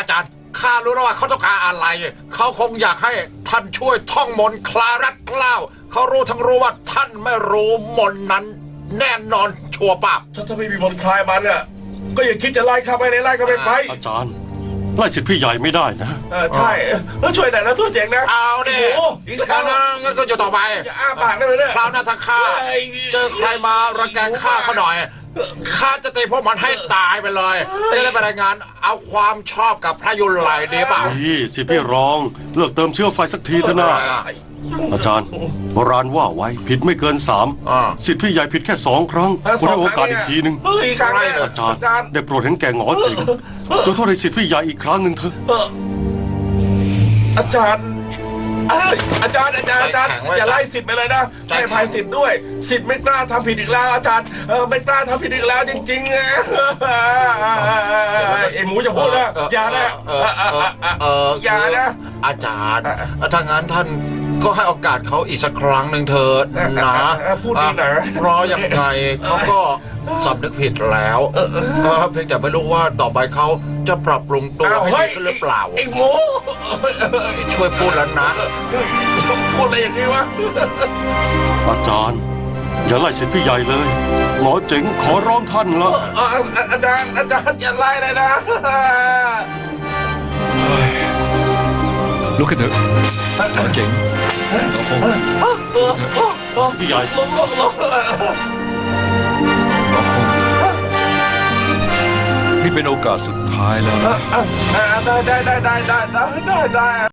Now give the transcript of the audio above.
จารย์ข้ารู้แล้วว่าเขาต้องการอะไรเขาคงอยากให้ท่านช่วยท่องมนต์คลารัดเกล้าเขารู้ทั้งรู้ว่าท่านไม่รู้มนต์นั้นแน่นอนชัวร์ป่ะถ้าไม่มีมนต์คลายมันอ่ะก็อย่าคิดจะไล่ข้าไปในไล่ก็ไม่ไปอาจารย์ไล่สิทธิ์พี่ใหญ่ไม่ได้นะใช่ช่วยหน่อยนะตัวเจ๋งนะเอาดิโอ้อีกแล้วงั้นก็จะต่อไปอย่าอ้าปากได้เลยเนี่ยคราวหน้าถ้าข้าเจอใครมารังแกข้าเขาหน่อยข้าจะตีพวกมันให้ตายไปเลยจะได้ไปรายงานเอาความชอบกับพระยุไลดีเปล่านี่สิทธิ์พี่รองเลิกเติมเชื้อไฟสักทีเถอะนะอาจารย์โบราณว่าไว้ผิดไม่เกิน3สิทธิ์พี่ใหญ่ผิดแค่2 ครั้งคุณให้โอกาสอีกทีหนึ่งเฮ้ยครั้งแรกอาจารย์ได้โปรดเห็นแก่หงอจริงขอโทษให้สิทธิ์พี่ใหญ่อีกครั้งหนึ่งเถอะอาจารย์อาจารย์อย่าไล่สิทธิ์ไปเลยนะให้อภัยสิทธิ์ด้วยสิทธิ์ไม่กล้าทำผิดอีกแล้วอาจารย์ไม่กล้าทำผิดอีกแล้วจริงๆนะไอหมูจะพูดนะอย่านะอย่านะอาจารย์ถ้างั้นท่านก็ให้โอกาสเขาอีกสักครั้งหนึ่งเถิดนะพูดดีหน่อยเพราะยังไงเขาก็สำนึกผิดแล้วเพียงแต่ไม่รู้ว่าต่อไปเขาจะปรับปรุงตัวให้ดีขึ้นหรือเปล่าไอ้หมูช่วยพูดแล้วนะพูดอะไรอย่างนี้วะอาจารย์อย่าไล่สิทธิ์พี่ใหญ่เลยหงอเจ๋งขอร้องท่านละอาจารย์อย่าไล่เลยนะลุกขึ้นเถอะหมอเจ๋งหมอคงพี่ใหญ่ลงหมอคงนี่เป็นโอกาสสุดท้ายแล้วนะได้